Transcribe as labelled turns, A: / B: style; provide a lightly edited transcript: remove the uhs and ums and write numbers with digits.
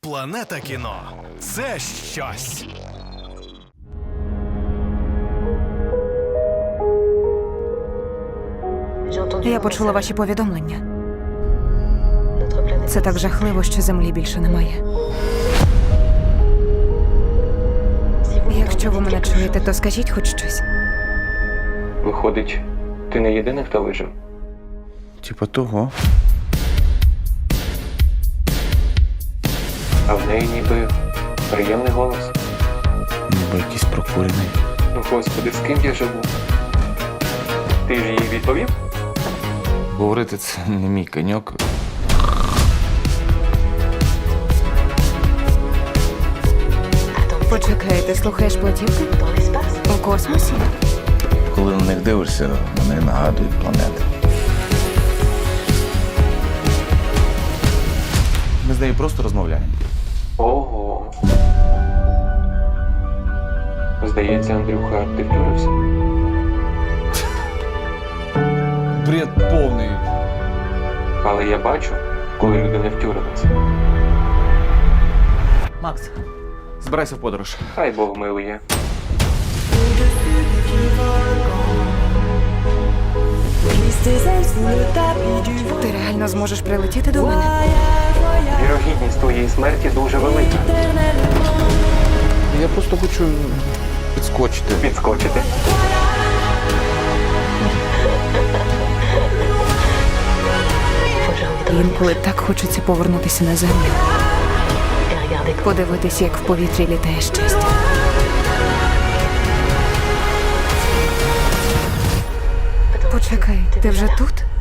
A: Планета кіно – це щось.
B: Я почула ваші повідомлення. Це так жахливо, що землі більше немає. Якщо ви мене чуєте, то скажіть хоч щось.
C: Виходить, ти не єдиний, хто вижив?
D: Типа того.
C: А в неї ніби приємний голос.
D: Ніби якийсь прокурений.
C: Ну, господи, з ким я живу? Ти ж їй відповів?
D: Говорити це не мій коньок.
B: Почекай, ти слухаєш платівки? У космосі?
D: Коли на них дивишся, вони нагадують планети. Ми з нею просто розмовляємо.
C: Ого. Здається, Андрюха, ти втюрився.
E: Бред повний.
C: Але я бачу, коли люди не втюрилися.
D: Макс, збирайся в подорож.
C: Хай Бог милує.
B: Ти реально зможеш прилетіти до мене?
C: Вірогідність твоєї смерті дуже велика.
D: Я просто хочу підскочити.
C: Підскочити.
B: Інколи так хочеться повернутися на землю. Подивитися, як в повітрі літає щастя. Почекай, ти вже тут?